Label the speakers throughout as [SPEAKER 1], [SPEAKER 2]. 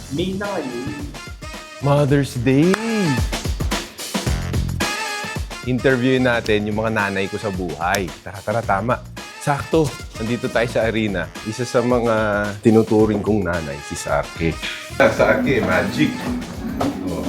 [SPEAKER 1] May na ngayon.
[SPEAKER 2] Mother's Day! Interviewin natin yung mga nanay ko sa buhay. Tara, tama. Sakto, nandito tayo sa arena. Isa sa mga tinuturing kong nanay, si Sarke. Sarke, magic. Oh.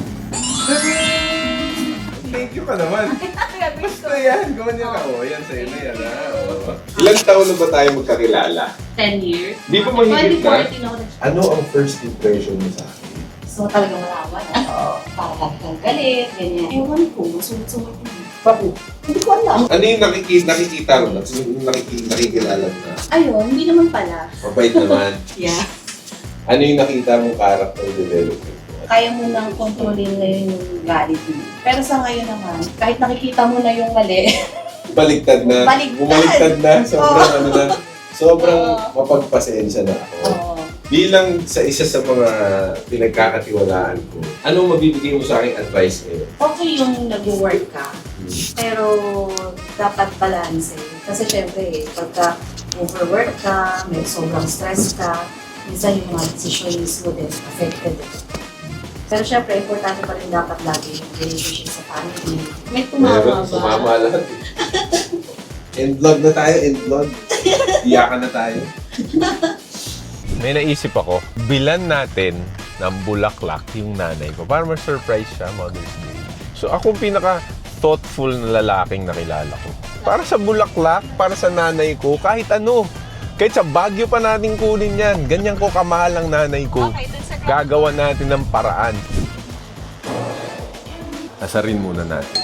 [SPEAKER 2] Thank you ka naman. Basta yan, gumanyan ka. Oh, yan sa'yo na yan. Oh. Ilang taon na ba tayo magkakilala?
[SPEAKER 3] 10 years.
[SPEAKER 2] Di ba mahigit na?
[SPEAKER 3] 2014 ako
[SPEAKER 2] Ano ang first impression mo sa akin?
[SPEAKER 3] So talagang malaman parang kang galit, ganyan. Ewan ko, masulit-sulit yun.
[SPEAKER 2] Bakit?
[SPEAKER 3] Hindi ko alam.
[SPEAKER 2] Ano yung nakikita mo? Nakikilala mo na?
[SPEAKER 3] Ayun, hindi naman pala.
[SPEAKER 2] Mabait naman.
[SPEAKER 3] Yeah.
[SPEAKER 2] Ano yung nakita mong character development?
[SPEAKER 3] Kaya mo nang kontrolin ngayon yung galit mo. Pero sa ngayon naman, kahit nakikita mo na yung mali,
[SPEAKER 2] Baliktad na.
[SPEAKER 3] Baliktad.
[SPEAKER 2] Bumaliktad na. Sobrang ano na. Sobrang
[SPEAKER 3] Oo.
[SPEAKER 2] mapagpasensya na ako.
[SPEAKER 3] oo.
[SPEAKER 2] Bilang sa isa sa mga pinagkakatiwalaan ko, anong mabibigay mo sa aking advice ngayon?
[SPEAKER 3] Okay yung nag-work ka, pero dapat balance eh. Kasi syempre, pagka overwork ka, may sobrang stress ka, minsan yung mga decisions mo din affected eh. Pero syempre, importante pa rin dapat lagi yung relationship sa family. May tumawa ba?
[SPEAKER 2] Sumama lahat. End vlog na tayo, end vlog. Iyakan na tayo. May naisip ako, bilan natin ng bulaklak yung nanay ko para ma-surprise siya Mother's Day. So ako pinaka-thoughtful na lalaking nakilala ko. Para sa bulaklak, para sa nanay ko, kahit ano. Kahit sa Baguio pa natin kunin yan. Ganyan ko kamahal ang nanay ko. Gagawa natin ng paraan. Asarin muna natin.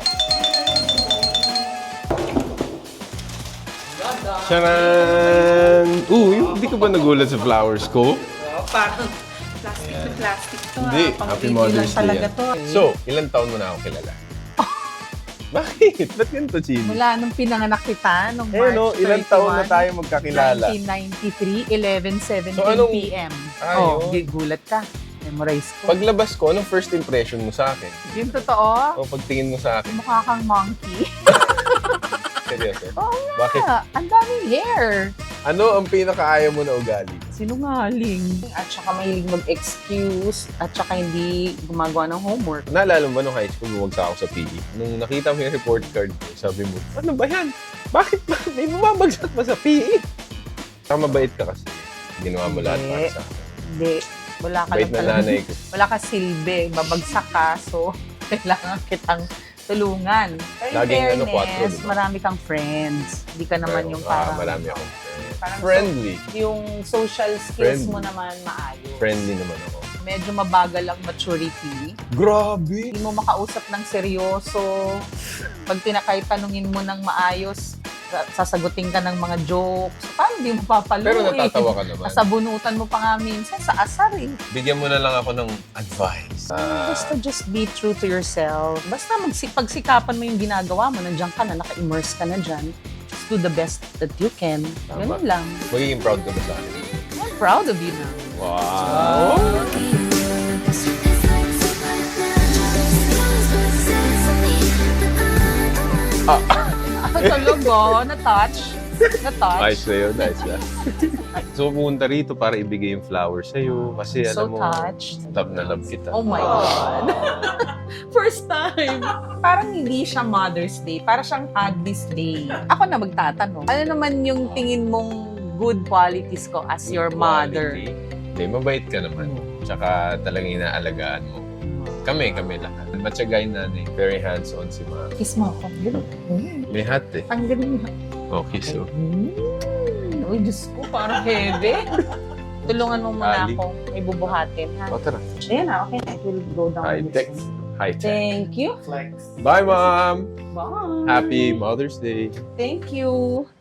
[SPEAKER 2] Charan! Hindi ka ba nagulat sa flowers ko?
[SPEAKER 4] Parang plastic to plastic to.
[SPEAKER 2] Hindi.
[SPEAKER 4] Pang
[SPEAKER 2] Happy
[SPEAKER 4] baby
[SPEAKER 2] Mother's
[SPEAKER 4] lang
[SPEAKER 2] Day
[SPEAKER 4] talaga
[SPEAKER 2] yan.
[SPEAKER 4] to.
[SPEAKER 2] So, ilang taon mo na ako kilala? Bakit? Ba't ganito, Chili?
[SPEAKER 4] Mula nung pinanganak kita, nung
[SPEAKER 2] Eh,
[SPEAKER 4] March
[SPEAKER 2] no, ilang taon na tayo magkakilala?
[SPEAKER 4] 1993, 11:17
[SPEAKER 2] So, anong-
[SPEAKER 4] p.m.
[SPEAKER 2] Ah,
[SPEAKER 4] Oh, gulat ka. Memorize ko.
[SPEAKER 2] Paglabas ko, anong first impression mo sa akin?
[SPEAKER 4] Yung totoo,
[SPEAKER 2] O pagtingin mo sa akin?
[SPEAKER 4] mukha kang monkey.
[SPEAKER 2] Seryoso?
[SPEAKER 4] Oo
[SPEAKER 2] Bakit?
[SPEAKER 4] nga, ang daming hair.
[SPEAKER 2] Ano ang pinakaayaw mo na ugali?
[SPEAKER 4] Sinungaling. At saka mahilig mag-excuse. At saka hindi gumagawa ng homework.
[SPEAKER 2] Naalala mo ba nung high school, bumagsak ako sa PE? Nung nakita mo yung report card ko, sabi mo, ano ba yan? Bakit ba? May bumabagsak ba sa PE? Saka mabait ka kasi. Ginawa mo lahat para sa akin.
[SPEAKER 4] Hindi. Wala ka
[SPEAKER 2] Bait
[SPEAKER 4] lang
[SPEAKER 2] na
[SPEAKER 4] talaga.
[SPEAKER 2] nanay ko.
[SPEAKER 4] Wala ka silbi. Babagsak ka. So, kailangan kitang tulungan. Pero in
[SPEAKER 2] Laging ano,
[SPEAKER 4] fairness,
[SPEAKER 2] 4, diba?
[SPEAKER 4] marami kang friends. Hindi ka naman yung parang...
[SPEAKER 2] Marami akong
[SPEAKER 4] parang
[SPEAKER 2] friendly.
[SPEAKER 4] yung social skills
[SPEAKER 2] Friendly.
[SPEAKER 4] mo naman maayos.
[SPEAKER 2] Friendly naman ako.
[SPEAKER 4] Medyo mabagal ang maturity.
[SPEAKER 2] Grabe!
[SPEAKER 4] Hindi mo makausap ng seryoso. Pag tinakay tanungin mo ng maayos, sasagutin ka ng mga jokes. Paano hindi mo papaluin?
[SPEAKER 2] Pero natatawa ka naman.
[SPEAKER 4] Nasabunutan mo pa nga minsan sa asar eh.
[SPEAKER 2] Bigyan mo na lang ako ng advice.
[SPEAKER 4] Basta just be true to yourself. Basta pagsikapan mo yung ginagawa mo, nandiyan ka na, naka-immerse ka na dyan. Just do the best that you can.
[SPEAKER 2] Tama.
[SPEAKER 4] Ganun lang.
[SPEAKER 2] Magiging proud ka ba sa akin?
[SPEAKER 4] I'm proud of you now.
[SPEAKER 2] Wow!
[SPEAKER 4] Tulog oh, na-touch. Na-touch.
[SPEAKER 2] Nice na yun, nice na. So, pumunta rito para ibigay yung flowers sa'yo. Kasi
[SPEAKER 4] So
[SPEAKER 2] alam mo,
[SPEAKER 4] touched.
[SPEAKER 2] love na love kita.
[SPEAKER 4] Oh my God. First time. Parang hindi siya Mother's Day. Parang siyang Hadley's Day. Ako na magtatanong. Ano naman yung tingin mong good qualities ko as your mother?
[SPEAKER 2] Hindi, mabait ka naman. Tsaka talagang inaalagaan mo. Kami lahat. Matsyagayin nanay. Very hands-on si mama.
[SPEAKER 4] Kiss mo ako.
[SPEAKER 2] May hat eh.
[SPEAKER 4] Ang galing.
[SPEAKER 2] Okay, so.
[SPEAKER 4] Uy, Diyos ko, parang heavy. Tulungan mo muna
[SPEAKER 2] Ali.
[SPEAKER 4] ako. May bubuhatin, ha?
[SPEAKER 2] O, tara.
[SPEAKER 4] Ayan na, okay. I will go down
[SPEAKER 2] High-tech.
[SPEAKER 4] this one.
[SPEAKER 2] High-tech.
[SPEAKER 4] Thank you.
[SPEAKER 1] Flex.
[SPEAKER 2] Bye, Mom!
[SPEAKER 4] Bye.
[SPEAKER 2] Happy Mother's Day.
[SPEAKER 4] Thank you.